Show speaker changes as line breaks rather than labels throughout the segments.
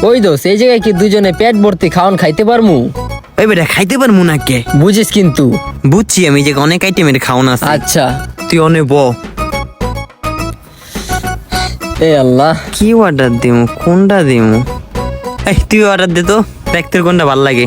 ওই দোস্ত এই জায়গায় কি দুজনে পেট ভর্তি খাওয়ান খাইতে পারমু?
ওই বেটা খাইতে পারবো না কে?
বুঝিস কিন্তু।
বুঝছি আমি যে অনেক আইটেমের খাওয়ান আছে।
আচ্ছা
তুই অনেক
এ আল্লাহ,
কি অর্ডার দিমু, কোনটা দিমু? এই তুই অর্ডার দে তো, দেখ তোর কোনটা ভাল লাগে।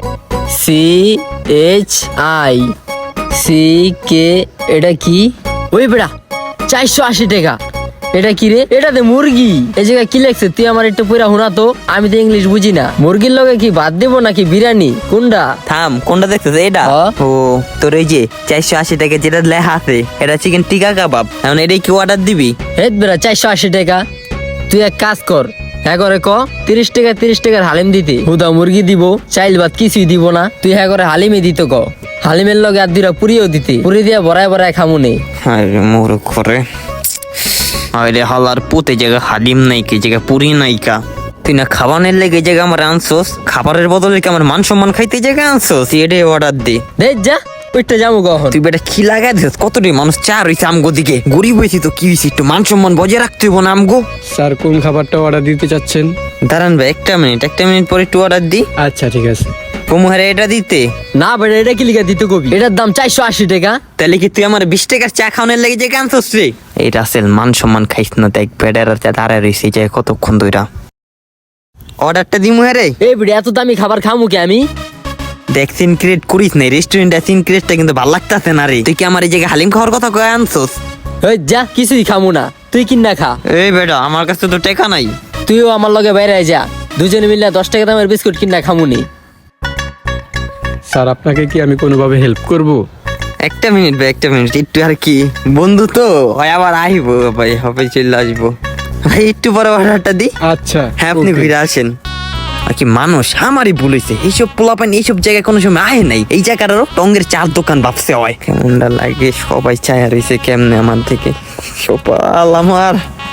CHICK, এটা কি? ওই বেড়া 480 টাকা। এটা কি রে? এটাতে মুরগি। এই জায়গায় কি লেখছে তুই আমার একটু পুরা হুনা তো, আমি তো ইংলিশ বুঝি না। মুরগির লগে কি ভাত দেবো নাকি বিরিয়ানি? কোনটা?
থাম, কোনটা দেখতেছ? এটা ও তোর এই যে 480 টাকা যেটা লেখা আছে, এটা চিকেন টিকা কাবাব। এখন এটাই কি অর্ডার দিবি?
হেট বেড়া 480 টাকা। তুই এক কাজ কর, হ্যাঁ করে 30 টাকার হালিম দিতে। হুদা মুরগি দিব, চাইল ভাত কিছুই দিব না। তুই হ্যাঁ করে হালিমে দিত ক। হালিমের লগে আর দুইটা পুরিও দিতে। পুরি দিয়া বড়ায় বড়ায় খামু নেই।
আরে মোর করে আরে হালার পুতে জায়গা হালিম নাই, কি জায়গা পুরি নাইকা। তুই না খাবারের লেগে জায়গা আমার আনছোস, খাবারের বদলে কি আমার মান সম্মান খাইতে জায়গা আনছোস? এটাই অর্ডার দে।
দে যা, ওইটা যাবো কখন?
তুই বেটা কি লাগাই দিস? কতটি মানুষ চা রয়েছে আমগো দিকে, গরিব হয়েছি তো কি হয়েছি, একটু মান সম্মান বজায় রাখতে হইব না আমগো।
স্যার কোন খাবারটা অর্ডার দিতে চাচ্ছেন?
দাঁড়ান ভাই, একটা মিনিট পরে একটু অর্ডার দি।
আচ্ছা ঠিক আছে।
কমুহারে এটা দিতে
না বেটা, এটা কি লিখা দিতে কবি? এটার দাম 480 টাকা।
তাহলে কি তুই আমার 20 টাকার চা খাওয়ানোর লেগে যে আনছোস রে? এইটা আসল মান সম্মান খাইস না, দেখ বেডার দাঁড়ায় রয়েছে যে কতক্ষণ ধইরা। অর্ডারটা দিমু রে।
এই বেটা এত দামি খাবার খামু কি আমি?
দেখ সিন ক্রিয়েট করিস না, রেস্টুরেন্টে সিন ক্রিয়েটটা কিন্তু ভালো লাগতাছে না রে। তুই কি আমার এই জায়গায় হালিম খাওয়ার কথা কয়ে আনছোস?
ওই যা, কিছুই খামু না, তুই কিনা খা।
এই বেটা আমার কাছে তো টাকা নাই।
তুইও আমার লগে বাইরে যা, দুজনে মিলে 10 টাকা দামের বিস্কুট কিনা খামুনি।
স্যার আপনাকে কি আমি কোনোভাবে হেল্প করব?
একটা মিনিট ভাই, একটা মিনিট, একটু আর কি বন্ধু তো হয়, আবার আইবো ভাই, হবে চলে আসবো ভাই, একটু পরে অর্ডারটা দি।
আচ্ছা
হ্যাঁ আপনি
okay.
ঘুরে আসেন। আর কি মানুষ আমারই ভুল হয়েছে, এইসব পোলাপান এইসব জায়গায় কোনো সময় আয় নাই। এই জায়গাটারও টঙ্গের চার দোকান ভাবছে হয়, কেমনটা লাগে সবাই চায়া রয়েছে কেমনে আমার থেকে। সপাল আমার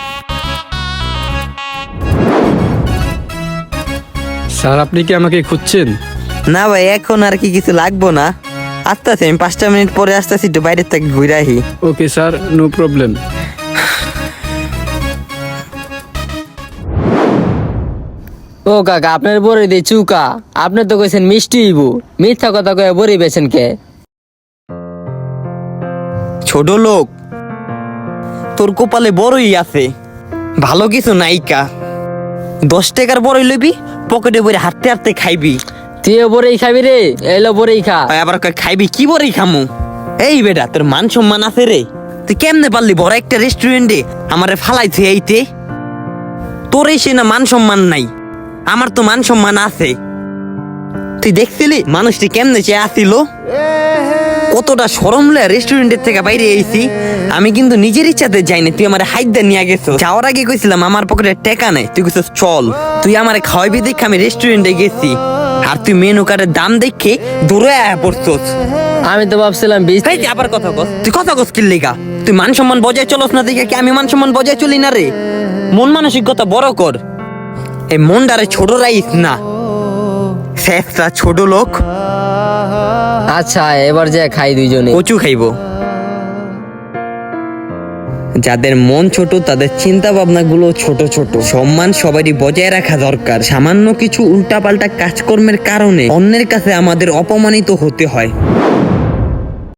স্যার আপনি কি আমাকে খুঁজছেন?
না ভাই, এখন আর কি কিছু লাগবো না, আসতেছি আমি 5টা মিনিট পরে আসতেছি, একটু বাইরের থেকে ঘুরে আহি।
Okay sir, no problem.
ও কাকা, আপনার বড়ি দিয়ে চুকা, আপনি তো কইছেন মিষ্টি হইব, মিথ্যা কথা কয়ে বড়ি বেছেন কে?
ছোট লোক, তোর কপালে বড়ই আছে, ভালো কিছু নাইকা। 10 টাকার বড়ই লইবি, পকেটে বইরে হাঁটতে হাঁটতে খাইবি।
তুইও বড়ি খাবি রে? এলো বড়ি খা।
আবার কয় খাইবি, কি বড়ই খামু? এই বেটা তোর মান সম্মান আছে রে? তুই কেমনে পারলি বড় একটা রেস্টুরেন্টে আমারে ফালাইছে এইতে? তোর এসে না মান সম্মান নাই, আমার তো মান সম্মান আছে। তুই দেখছিলি মানুষটি কেমনে চেয়ে আসিল, কতটা শরম লয়ে রেস্টুরেন্টের থেকে বাইরে আইছি। আমি কিন্তু নিজের ইচ্ছাতে যাইনি, তুই আমার হাইদা নিয়ে গেছো। যাওয়ার আগে কইছিলাম আমার পকেটে টাকা নাই, তুই কইছিস চল। তুই আমার খাওয়াবি দেখে আমি রেস্টুরেন্টে গেছি, আর তুই মেনু কার্ডের দাম দেখে দূরে আয়া পড়ছস।
আমি তো ভাবছিলাম 20।
এই আবার কথা কস, তুই কথা কস কি লেগা? তুই মান সম্মান বজায় চলস না দেখে কি আমি মান সম্মান বজায় চলি না রে? মন মানসিকতা বড় কর, এই মনটারে ছোট রাইস না, শেষটা ছোট লোক।
আচ্ছা এবার যে খাই দুইজনে।
কচু খাইবো। যাদের মন ছোট তাদের চিন্তা ভাবনা গুলো ছোট ছোট। সম্মান সবারই বজায় রাখা দরকার। সামান্য কিছু উল্টাপাল্টা কাজকর্মের কারণে অন্যের কাছে আমাদের অপমানিত হতে হয়।